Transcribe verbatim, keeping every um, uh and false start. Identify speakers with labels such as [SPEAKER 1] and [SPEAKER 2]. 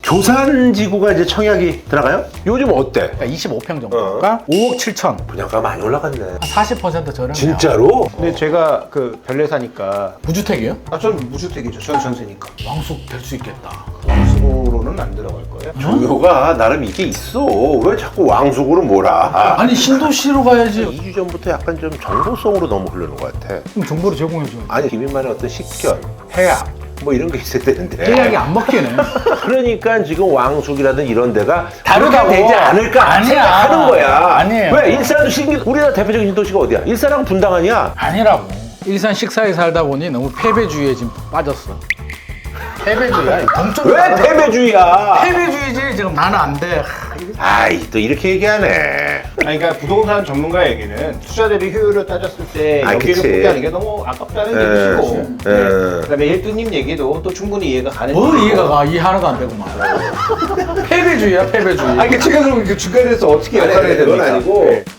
[SPEAKER 1] 조산지구가 이제 청약이 들어가요? 요즘 어때?
[SPEAKER 2] 그러니까 이십오 평 정도가 오억 칠천.
[SPEAKER 1] 분양가 많이 올라갔네.
[SPEAKER 2] 한 사십 퍼센트 저렴해요.
[SPEAKER 1] 진짜로?
[SPEAKER 3] 근데 제가 그 별내사니까
[SPEAKER 2] 무주택이요?
[SPEAKER 3] 아 저는 무주택이죠. 저는 전세니까
[SPEAKER 2] 왕숙 될 수 있겠다.
[SPEAKER 3] 왕수로는 안 들어갈 거예요.
[SPEAKER 1] 종효가 나름 이게 있어. 왜 자꾸 왕숙으로 몰아?
[SPEAKER 2] 아니 신도시로 가야지.
[SPEAKER 1] 이 주 전부터 약간 좀 정보성으로 너무 흐르는 것 같아.
[SPEAKER 2] 그럼 정보를 제공해줘.
[SPEAKER 1] 아니 김인만의 어떤 식견, 해악 뭐 이런 게 있어야 되는데.
[SPEAKER 2] 계약이 안 먹히네.
[SPEAKER 1] 그러니까 지금 왕숙이라든 이런 데가
[SPEAKER 2] 다르다고.
[SPEAKER 1] 그렇게 되지 않을까
[SPEAKER 2] 아니야.
[SPEAKER 1] 생각하는 거야.
[SPEAKER 2] 아니에요.
[SPEAKER 1] 왜 일산도 신기 우리나라 대표적인 신도시가 어디야? 일산하고 분당 아니야?
[SPEAKER 2] 아니라고. 일산 식사에 살다 보니 너무 패배주의에 지금 빠졌어. 패배주의야. 동쪽으로
[SPEAKER 1] 왜
[SPEAKER 2] 나가서
[SPEAKER 1] 패배주의야?
[SPEAKER 2] 패배주의지. 지금 나는 안 돼.
[SPEAKER 1] 아이 또 이렇게 얘기하네.
[SPEAKER 3] 아니, 그러니까 부동산 전문가에게는 투자 대비 효율을 따졌을 때
[SPEAKER 1] 아,
[SPEAKER 3] 여기를
[SPEAKER 1] 그치.
[SPEAKER 3] 포기하는 게 너무 아깝다는
[SPEAKER 1] 에,
[SPEAKER 3] 얘기시고
[SPEAKER 1] 에.
[SPEAKER 3] 네. 그다음에 일두님 얘기도 또 충분히 이해가 가는
[SPEAKER 2] 뭐
[SPEAKER 3] 얘기고.
[SPEAKER 2] 이해가 가? 이해 하나도 안 되구만. 패배주의야 패배주의.
[SPEAKER 3] 아니, 그러니까 제가 그럼 그 주가에서 어떻게
[SPEAKER 1] 아니,
[SPEAKER 3] 역할을 해야
[SPEAKER 1] 그건
[SPEAKER 3] 됩니까?
[SPEAKER 1] 아니고
[SPEAKER 3] 네.